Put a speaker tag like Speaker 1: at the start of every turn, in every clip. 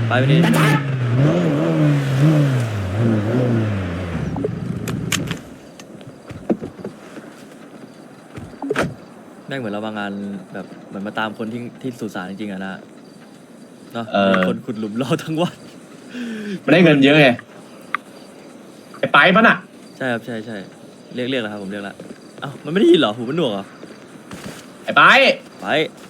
Speaker 1: ไปไปดิแม่งเหมือนเรามางานแบบเหมือนมาตามคนที่สุสานจริงๆอะนะเนาะคนขุดหลุมรอทั้งวัน
Speaker 2: มันได้เงินเยอะไงไอ้ไปปะน่ะ
Speaker 1: ใช่ครับใช่ใช่เรียกแล้วครับผมเรียกแล้วเอ้ามันไม่ได้ยินเหรอหูมันหนวกเหรอ
Speaker 2: ไอ้ไป
Speaker 1: ไป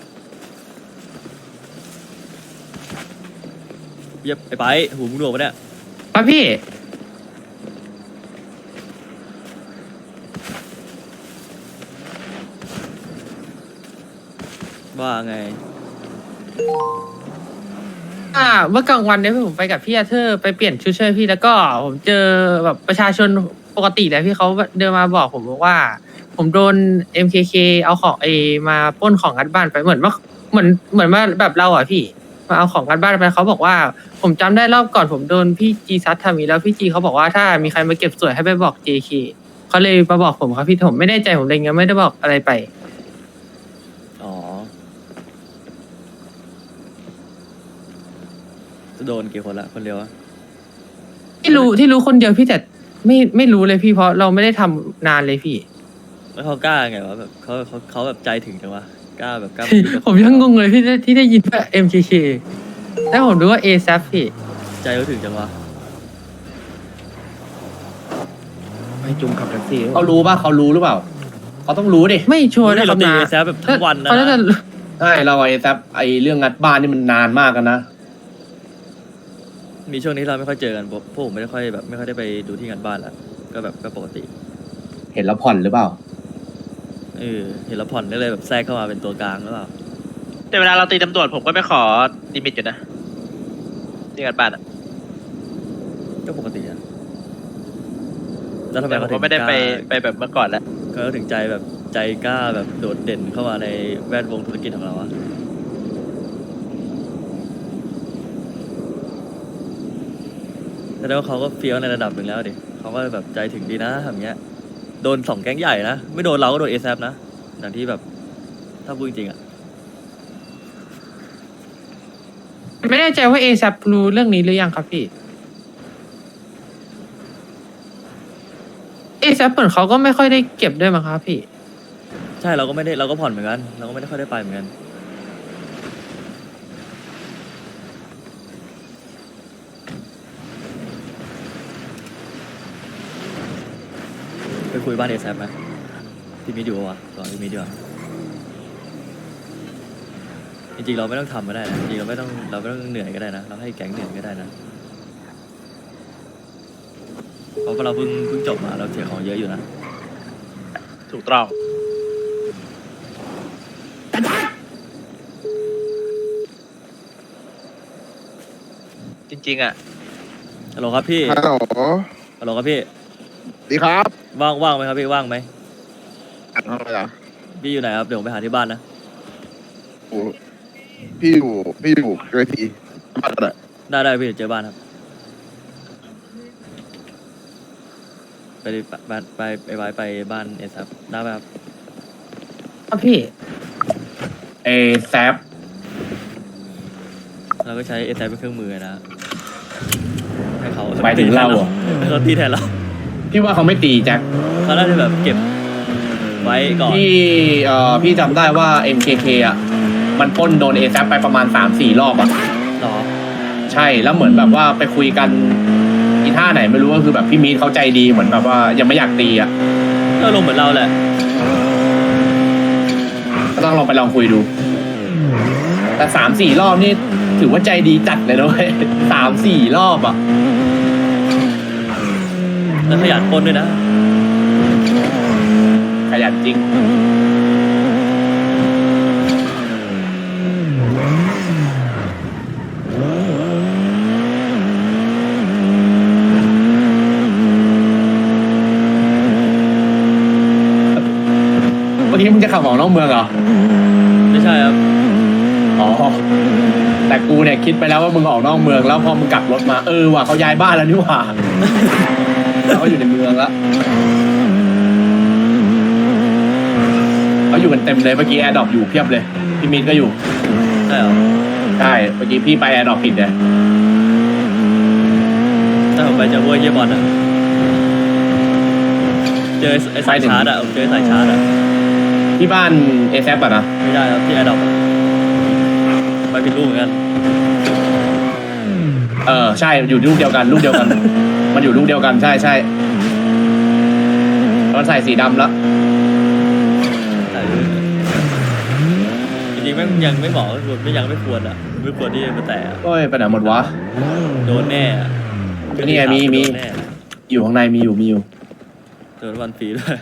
Speaker 1: เยียบไปหูมึงหนวกปะเนี่ย
Speaker 3: ครับพี่
Speaker 1: ว่าไง
Speaker 3: เมื่อกลางวันเนี่ยผมไปกับพี่อาเธอร์ไปเปลี่ยนชุดช่วยพี่แล้วก็ผมเจอแบบประชาชนปกติเลยพี่เขาเดินมาบอกผมว่า ผมโดน MKK เอาของมาปล้นของงัดบ้านไปเหมือนว่าแบบเราอ่ะพี่มาเอาของงัดบ้านไปเขาบอกว่า ผมจำได้รอบก่อนผมโดนพี่จีซัดทำอีกแล้วพี่จีเขาบอกว่าถ้ามีใครมาเก็บสวยให้ไปบอก JK เขาเลยมาบอกผมครับพี่ผมไม่ได้ใจผมเลยงั้นไม่ได้บอกอะไรไป
Speaker 1: อ๋อจะโดนกี่คนละคนเดียวอะ
Speaker 3: ที่รู้คนเดียวพี่แต่ไม่รู้เลยพี่เพราะเราไม่ได้ทำนานเลยพี่
Speaker 1: แล้วเขากล้าไงวะแบบเขาแบบใจถึงจังวะกล้าแบบกล้า
Speaker 3: ผมยังงงเลยพี่ที่ได้ยินว่า MKK แล้วผมรู้ว่า ASAP พี่
Speaker 1: ใจเขาถึงจังวะ
Speaker 3: ไม่จุ่มขับแท็กซี่
Speaker 2: เขารู้ป่ะเขารู้หรือเปล่าเขาต้องรู้ดิ
Speaker 3: ไม่ชัวร์
Speaker 1: นี่
Speaker 3: นะค
Speaker 1: เรา
Speaker 3: รับ
Speaker 1: ตี
Speaker 3: นะ
Speaker 1: แซฟแบบทั้งวันนะ
Speaker 3: เขาน่าจะ
Speaker 2: ใช่เราไอ้แซปไอ้เรื่องงัดบ้านนี่มันนานมากกันนะ
Speaker 1: มีช่วงนี้เราไม่ค่อยเจอกันพวกผมไม่ได้ค่อยแบบไม่ค่อยได้ไปดูที่งานบ้านละก็แบบก็ปกติ
Speaker 2: เห็นแล้วผ่อนหรือเปล่า
Speaker 1: เห็นแล้วผ่อนก็เลยแบบแทรกเข้ามาเป็นตัวกลางหรือเปล่า
Speaker 4: แต่เวลาเราตีตำรวจผมก็ไม่ขอลิมิตอยู่นะที่กันบ้านอ่ะ
Speaker 1: ก็ปกติอะแล้วทำไม
Speaker 4: แต่ผม
Speaker 1: เขาถึ
Speaker 4: ก็
Speaker 1: ง
Speaker 4: ไม่ได้
Speaker 1: กล้า
Speaker 4: ไปแบบเมื่อก่อนแล้ว
Speaker 1: เขาถึงใจแบบใจกล้าแบบโดดเด่นเข้ามาในแวดวงธุรกิจของเราอะแสดงว่าเขาก็เฟี้ยวในระดับหนึ่งแล้วดิเขาก็แบบใจถึงดีนะทำอย่างเงี้ยโดน2 แก๊งใหญ่นะไม่โดนเราก็โดน ASAP นะอย่างที่แบบถ้าพูดจริงๆอะ
Speaker 3: ไม่แน่ใจว่า ASAP รู้เรื่องนี้หรือยังครับพี่ ASAP เหมือนเขาก็ไม่ค่อยได้เก็บด้วยมั้งครับพี่
Speaker 1: ใช่เราก็ไม่ได้เราก็ผ่อนเหมือนกันเราก็ไม่ได้ค่อยได้ไปเหมือนกันไปคุยบ้าน ASAP ไหมพี่มิดอยู่ปะวะก่อนพี่มิดดีกว่าจริงๆเราไม่ต้องทำก็ได้นะจริงๆเราไม่ต้องเหนื่อยก็ได้นะเราให้แก๊งเหนื่อยก็ได้นะเพราะว่าเราเพิ่งจบมาเราเสียของเยอะอยู่นะ
Speaker 4: ถูกต้องจริงๆอ่ะ
Speaker 1: ฮัลโหลครับพี่
Speaker 5: ฮัลโหล
Speaker 1: ฮัลโหลครับพี่
Speaker 5: ดีครับ
Speaker 1: ว่างไหมครับพี่ว่างไหม
Speaker 5: อัดห้องอะไรอ่ะ
Speaker 1: พี่อยู่ไหนครับเดี๋ยวผมไปหาที่บ้านนะ
Speaker 5: โอ้พี่อยู่เวทีบ้านอะไร
Speaker 1: ได้พี่เดี๋ยวเจอบ้านครับไปบ้านไปบ้านASAPได้ไหมครับ
Speaker 3: ครับพี่
Speaker 2: ไอ้แซป
Speaker 1: เราก็ใช้ ASAP เป็นเครื่องมือนะให้เขา
Speaker 2: หมายถึงเราเหรอ
Speaker 1: ให้เขาตีแทนเรา
Speaker 2: พี่ว่าเขาไม่ตีแจ็ค
Speaker 1: เขาน่าจะแบบเก็บไว้ก่อน
Speaker 2: พี่จำได้ว่า MKK อ่ะมันปล้นโดนเอแซปไปประมาณ 3-4 รอบอ่ะ
Speaker 1: หรอ
Speaker 2: ใช่แล้วเหมือนแบบว่าไปคุยกันอีท่าไหนไม่รู้ก็คือแบบพี่มีดเขาใจดีเหมือนแบบว่ายังไม่อยากตีอ่ะ
Speaker 1: ก็ลงเหมือนเราแหละ
Speaker 2: ก็ต้องลองไปลองคุยดู แต่ 3-4 รอบนี่ถือว่าใจดีจัดเลยนะเว้ย 3-4 รอบอ่ะ
Speaker 1: แล้วขยันปล้นด้วยนะ
Speaker 2: ขยันจริงเมื่อกี้มึงจะขับออกนอกเมืองเหรอ
Speaker 1: ไม่ใช่ครับ
Speaker 2: อ๋อ แต่กูเนี่ยคิดไปแล้วว่ามึงออกนอกเมืองแล้วพอมึงกลับรถมาว่ะเขาย้ายบ้านแล้วนี่หว่า เขาอยู่ในเมืองแล้วเขาอยู่กันเต็มเลยเมื่อกี้แอร์ดรอปอยู่เพียบเลยพี่มินก็อยู่
Speaker 1: ใช่เหรอ
Speaker 2: ใช่เมื่อกี้พี่ไปแอร์ดรอปผิดเลย
Speaker 1: แต่ผมไปเจอพวกเยี่ยบอลอ่ะเจอไอ้สายชาร์จอ่ะผมเจอสายชาร์จอ่ะ
Speaker 2: ที่บ้านเอแซปอะนะ
Speaker 1: ไม่ได้ครับที่ไอดอปไปผิดรูปเหมือนกัน
Speaker 2: ใช่อยู่ลูกเดียวกันลูกเดียวกัน มันอยู่ลูกเดียวกันใช่ใช่ตอนใส่สีดำแล้ว
Speaker 1: จริงๆแม่งยังไม่เหมาะไม่ยังไม่ควรอ่ะไม่ควรที่จะมาแตะ
Speaker 2: โอ้ยไปไหนหมดวะ
Speaker 1: โดนแน่อะ
Speaker 2: นี่ไงมี
Speaker 1: โดนแน่
Speaker 2: อยู่ข้างในมีอยู่
Speaker 1: โดนวันฟรีด้วย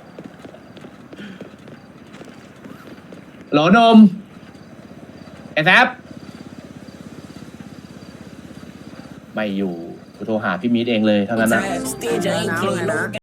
Speaker 2: หลอนมเอแซปไม่อยู่กูโทรหาพี่มีดเองเลยทั้งนั้นนะ